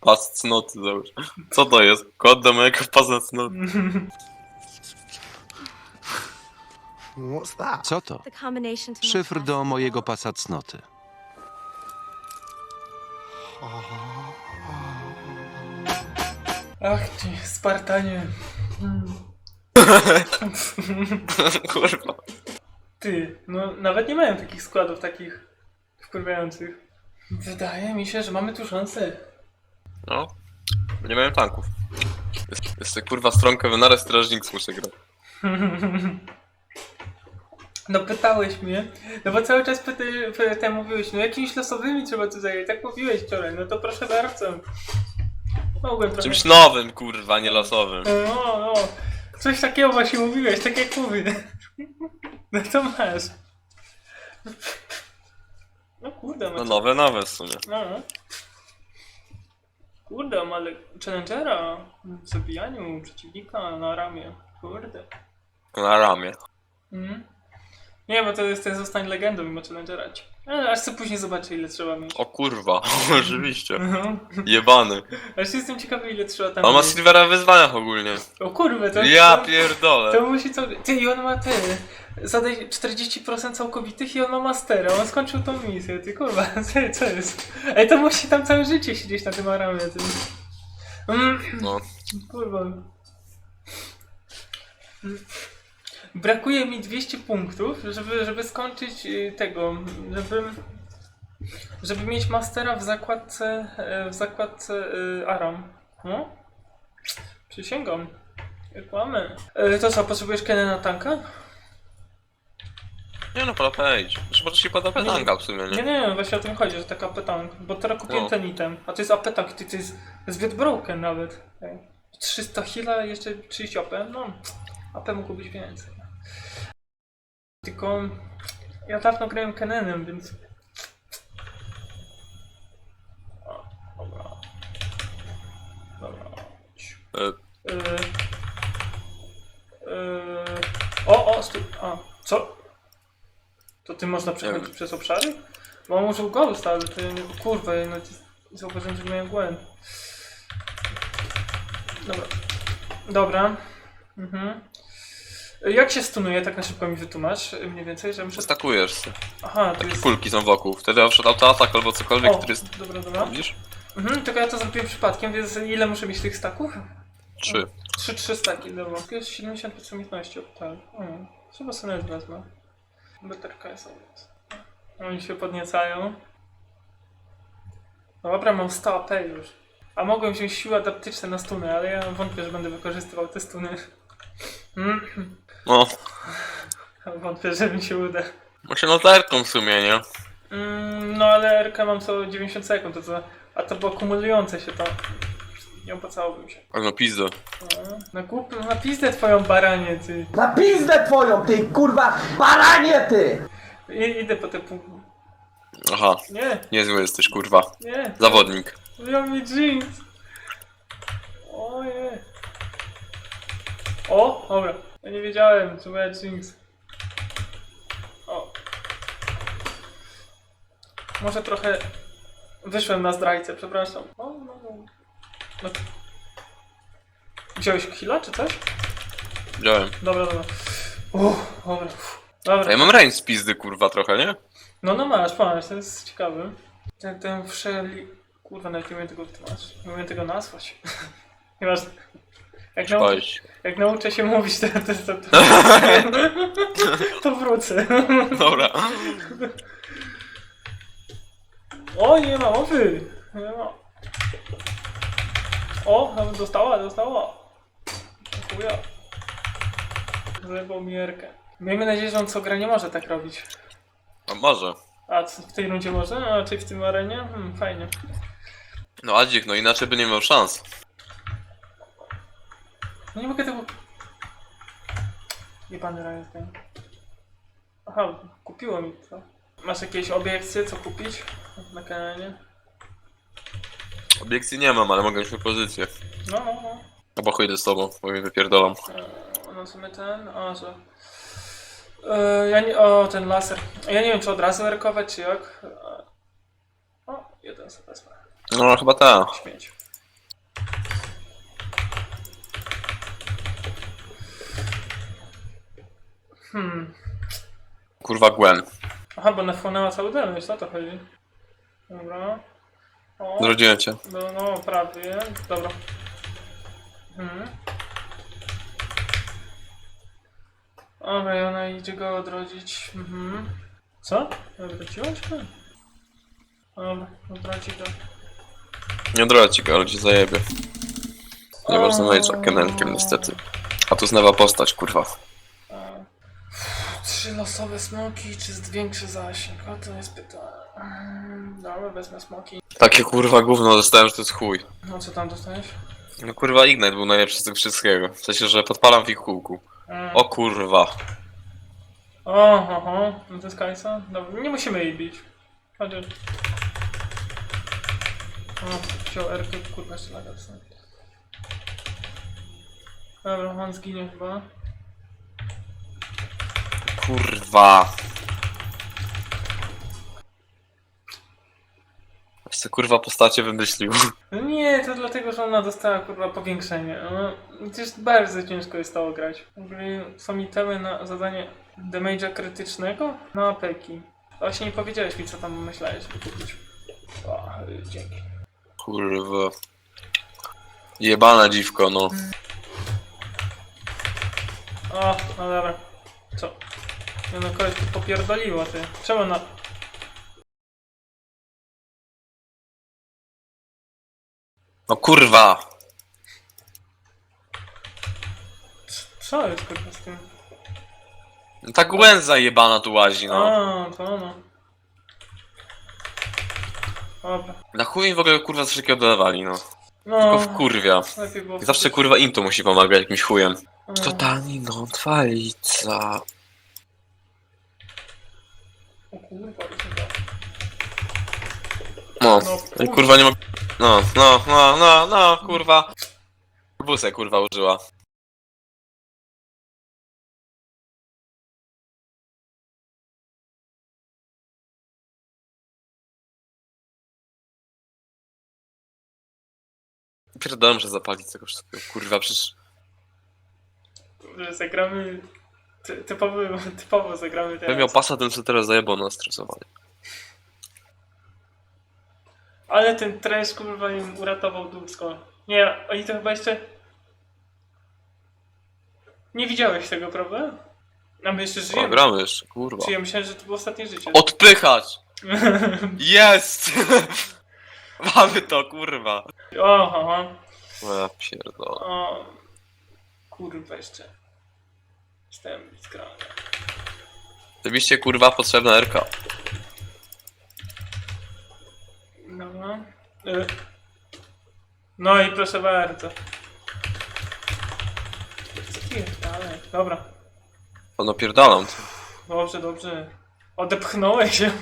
Pas cnoty, załóż. Co to jest? Kod do mojego pasa cnoty. What's that? Co to? The combination to my Szyfr do passport. mojego pasa cnoty. Ach ty, Spartanie. Kurwa. Ty, no nawet nie mają takich składów takich wkurwiających. Wydaje mi się, że mamy tu szansę. No. Nie mają tanków. Jest kurwa stronkę w naraz strażnik muszę grać. No pytałeś mnie, no bo cały czas pytam mówiłeś, no jakimiś losowymi trzeba tu zająć, tak mówiłeś wczoraj, no to proszę bardzo. Mogłem trochę... Czymś nowym, kurwa, nie losowym. No, no, coś takiego właśnie mówiłeś, tak jak mówię. No to masz. No kurde, No nowe w sumie. No. Kurde, ma challengera w zabijaniu przeciwnika na ramię. Kurde. Na ramię. Mhm. Nie, bo to jest ten zostań legendą mimo challengera. Ale aż sobie później zobaczę ile trzeba mieć. O kurwa, oczywiście. No. Jebany. Aż jestem ciekawy ile trzeba tam On ma mieć. Silvera w wyzwaniach ogólnie. O kurwa, to... Ja to, pierdolę. to musi co... Ty, i on ma te... Zadaj 40% całkowitych i on ma mastera. On skończył tą misję, ty kurwa, co jest? Ej, to musi tam całe życie siedzieć na tym aramie, ty. No. Kurwa. Brakuje mi 200 punktów, żeby skończyć tego, żeby mieć mastera w zakładce Aram. No? Przysięgam. Kłamy. To co, potrzebujesz Kenę na tanka? Nie no, pada idź. Może się pada tanka w sumie, Nie, nie? nie, właśnie o tym chodzi, że taka petank. Bo teraz kupiłem No. ten item. A to jest apetank, to jest zbyt broken nawet. 300 heala, jeszcze 30 AP. No, AP mógł być więcej. Tylko ja dawno grałem Kenenem, więc... O, dobra. Dobra. Stój. A, co? To ty można przechodzić przez obszary? Bo on użył Ghost, ale to ja nie... Kurwa, ja zauważyłem, że miałem Gwen. Dobra. Dobra. Mhm. Jak się stunuje, tak na szybko mi wytłumacz, mniej więcej, że muszę... Stakujesz się. Aha, to Takie jest... kulki są wokół. Wtedy wszedł autoatak albo cokolwiek, O, który jest... dobra, dobra. Widzisz? Mhm, tylko ja to zrobiłem przypadkiem, więc ile muszę mieć tych staków? 3. 3 staki, dobra. To jest 70% umiejętności, tak. Chyba sobie nawet wezmę. Beterka jest obraz. Oni się podniecają. Dobra, mam 100 AP już. A mogłem wziąć siły adaptyczne na stuny, ale ja wątpię, że będę wykorzystywał te stuny. No. Wątpię, że mi się uda. Właśnie noterką w sumie, nie? No ale RK mam co 90 sekund, a to było kumulujące się to. Nie opłacałbym się. Ale no pizdo. Na pizdę twoją baranie, ty. Na pizdę twoją, ty kurwa baranie ty! Idę po te punkty. Aha. Nie, Niezły jesteś, kurwa. nie. Zawodnik. Wyjął mi jeans. Ojej. O, dobra. Ja nie wiedziałem, że moja jeans. O. Może trochę wyszłem na zdrajcę, przepraszam. No. Wziąłeś chwilę, czy coś? Wziąłem. Dobra, dobra. Dobra. Dobra. A ja mam range z pizdy, kurwa, trochę, nie? No masz, to jest ciekawe. Ten Kurwa, nawet nie umiem tego wytłumaczyć. Nie umiem tego nazwać. Nieważne. Jak nauczę się mówić, to wrócę. Dobra. O, nie ma mowy! Nie ma. O, nawet dostała. Dziękuję. Zajebał mi Erkę. Miejmy nadzieję, że on co gra nie może tak robić. A może. A w tej rundzie może? A raczej w tym arenie? Fajnie. No Adzik, no inaczej by nie miał szans. No nie mogę tego... Jebany Riot Game. Aha, kupiło mi to. Masz jakieś obiekcje, co kupić na kanale? Obiekcji nie mam, ale mogę mieć pozycję. No. Albo chuj z tobą, bo mnie wypierdolam. No w sumie ten... że... ja nie... O, ten laser. Ja nie wiem, czy od razu erkować, czy jak. O, jeden sobie wezmę. No chyba ta. Śmieć. Kurwa Gwen. Aha, bo nafłonęła cały damage, o to chodzi. Dobra. O, Zrodziłem cię. no prawie. Dobra. Dobra, i ona idzie go odrodzić. Co? Odrodziła cię? Dobra, odrodzi go. Nie odradzi go, ale cię zajebie. Nie można Mage'a Kenelkiem niestety. A tu znowa postać, kurwa. 3 losowe smoki, czy większy zasięg? O, to jest pytanie. Dobra, wezmę smoki. Takie kurwa gówno dostałem, że to jest chuj. No co tam dostałeś? No kurwa Ignite był najlepszy z tego wszystkiego. W sensie, że podpalam w ich kółku. O kurwa. Oho, no to jest Kajsa? Dobra, nie musimy jej bić. Chociaż... O, wziął Erkę, kurwa jeszcze laga dostałem. Dobra, on zginie chyba. Kurwa. Jeszcze kurwa postacie wymyślił. No nie, to dlatego, że ona dostała kurwa powiększenie. No, przecież bardzo ciężko jest to grać. W ogóle są itemy na zadanie damage'a krytycznego na apeki. Właśnie nie powiedziałeś mi, co tam myślałeś kupić. O, dzięki. Kurwa. Jebana dziwko, no. O, no dobra. Co? Nie no, koleś tu popierdoliło, ty. Czemu na... No kurwa. Co jest kurwa z tym? No ta Gwen zajebana tu łazi, no. A, to ono. Dobra. Na chuj mi w ogóle kurwa z wszystkiego dodawali, no. No, Tylko wkurwia. lepiej było... I zawsze kurwa im to musi pomagać jakimś chujem. No. Totalnie no, twalica. O kurwa, to się da. No, No, i kurwa nie mogę... No, kurwa. Busę kurwa użyła. Pierdolę, że zapalić tego wszystkiego, kurwa, przecież... Że zagramy... Typowo zagramy Gdybym teraz. miał pasa, ten co teraz zajebał na stresowanie. Ale ten trash kurwa im uratował dupsko. Nie, oni to chyba jeszcze... Nie widziałeś tego, prawda? A my jeszcze O, żyjemy. gramy jeszcze, kurwa. Czy ja myślałem, że to było ostatnie życie. Odpychać! Jest! Mamy to, kurwa. Oho, O, ja pierdolę. o. Kurwa jeszcze. Jestem skrany. Oczywiście, kurwa, potrzebna RK. Dobra. No i proszę bardzo. Ale, dobra. To napierdalam. Dobrze. Odepchnąłeś się.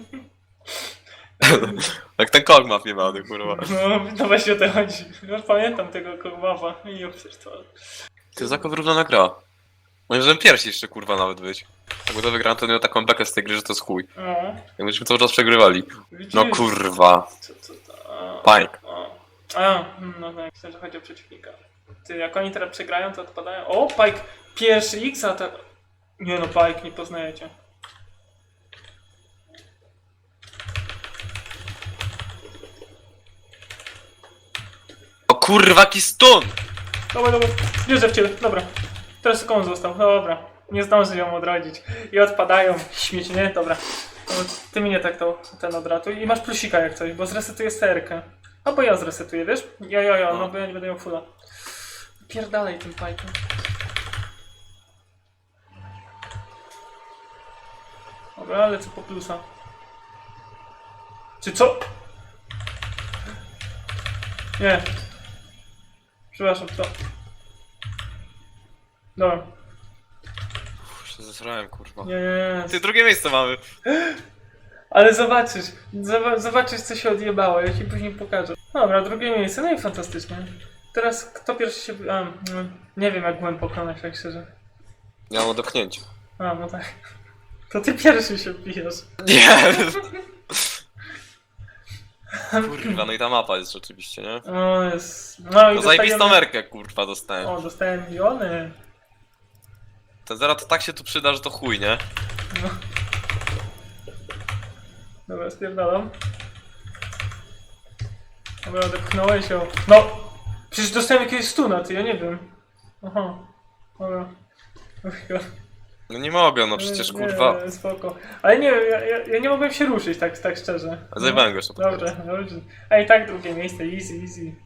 Jak ten kogmaf jebany, kurwa. No właśnie o to chodzi. No, pamiętam tego kogmawa. I przecież to... To jest taka wyrównana gra. Moim zdaniem pierwsi jeszcze, kurwa, nawet być. Jakby to wygrałem, to miał taką bekę z tej gry, że to jest chuj. O, Jakbyśmy cały czas przegrywali. widzisz? No kurwa. Co to? Panik. No tak, myślę, że chodzi o przeciwnika. Ty, jak oni teraz przegrają, to odpadają. O, Pike! Pierwszy X, a te... Nie no, Pike, nie poznajecie. O kurwa, jaki stun! Dobra, wierzę w ciebie, dobra. Teraz tylko on został, dobra. Nie zdąży ją odrodzić. I odpadają, śmieci, nie? Dobra. No, ty mnie tak to, ten odratuj. I masz plusika jak coś, bo zresetuję serkę. Albo ja zresetuję, wiesz? No bo ja nie będę miał fulla. Pierdalej tym Pike'em. Dobra, ale co po plusa? Czy co? Nie. Przepraszam, co? Dobra. Się zesrałem, kurwa. Nie. Ty, drugie miejsce mamy. Ale zobaczysz. Zobaczysz, co się odjebało. Ja ci później pokażę. Dobra, drugie miejsce. No i fantastycznie. Teraz kto pierwszy się... nie wiem, jak byłem pokonać, tak szczerze. Ja mam odepchnięcie. No tak. To ty pierwszy się bijesz. Nie! Kurwa, no i ta mapa jest rzeczywiście, nie? O, jest... No i No zajebistą dostajemy... merkę, kurwa, dostałem. O, dostałem miliony. Ten zera to tak się tu przyda, że to chuj, nie? No. Dobra, spierdalam. Dobra, odepchnąłeś ją. No! Przecież dostałem jakiegoś stuna, ty, ja nie wiem. Aha. Dobra. No nie mogę, no przecież kurwa. Nie, spoko. Ale nie, ja nie mogłem się ruszyć, tak szczerze. Zajebałem go jeszcze. Dobrze, dobrze. Ej, tak, drugie miejsce, easy, easy.